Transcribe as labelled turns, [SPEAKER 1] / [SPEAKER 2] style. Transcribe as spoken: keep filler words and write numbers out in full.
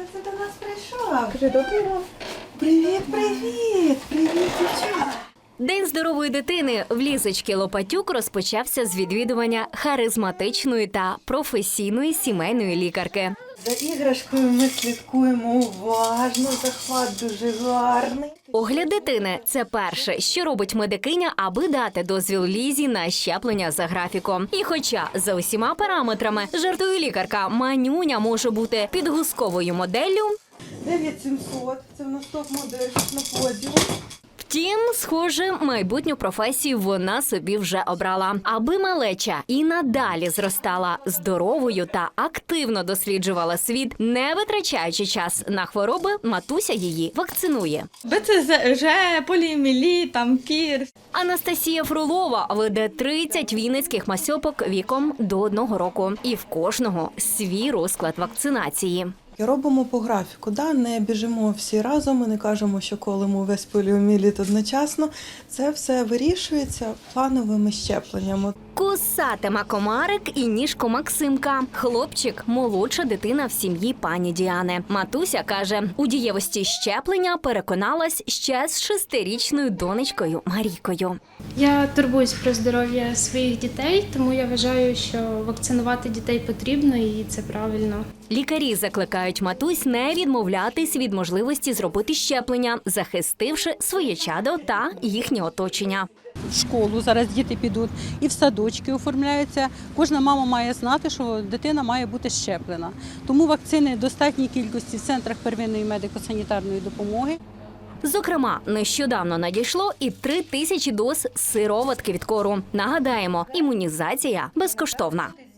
[SPEAKER 1] Хто це до нас прийшов? Кажи, добрий ранок. Привіт, привіт, привіт, дівчата.
[SPEAKER 2] День здорової дитини в Лізочки Лопатюк розпочався з відвідування харизматичної та професійної сімейної лікарки.
[SPEAKER 1] За іграшкою ми слідкуємо уважно, захват дуже гарний.
[SPEAKER 2] Огляд дитини – це перше, що робить медикиня, аби дати дозвіл Лізі на щеплення за графіком. І хоча за усіма параметрами, жартує лікарка, манюня може бути підгузковою моделлю,
[SPEAKER 1] дев'ять сімсот, це в нас топ-модель на подіумі.
[SPEAKER 2] втім, схоже, майбутню професію вона собі вже обрала. Аби малеча і надалі зростала здоровою та активно досліджувала світ, не витрачаючи час на хвороби, матуся її вакцинує.
[SPEAKER 3] Б Ц Ж, поліомієліт, там кір.
[SPEAKER 2] Анастасія Фролова веде тридцять вінницьких масьопок віком до одного року. І в кожного свій розклад вакцинації.
[SPEAKER 1] Робимо по графіку, да? Не біжимо всі разом, ми не кажемо, що колемо весь поліомієліт одночасно. Це все вирішується плановими щепленнями.
[SPEAKER 2] Кусатиме комарик і ніжко Максимка. Хлопчик – молодша дитина в сім'ї пані Діани. Матуся каже, у дієвості щеплення переконалась ще з шестирічною донечкою Марійкою.
[SPEAKER 4] Я турбуюсь про здоров'я своїх дітей, тому я вважаю, що вакцинувати дітей потрібно і це правильно.
[SPEAKER 2] Лікарі закликають матусь не відмовлятись від можливості зробити щеплення, захистивши своє чадо та їхнє оточення.
[SPEAKER 5] В школу зараз діти підуть і в садочки оформляються. Кожна мама має знати, що дитина має бути щеплена. Тому вакцини в достатній кількості в центрах первинної медико-санітарної допомоги.
[SPEAKER 2] Зокрема, нещодавно надійшло і три тисячі доз сироватки від кору. Нагадаємо, імунізація безкоштовна.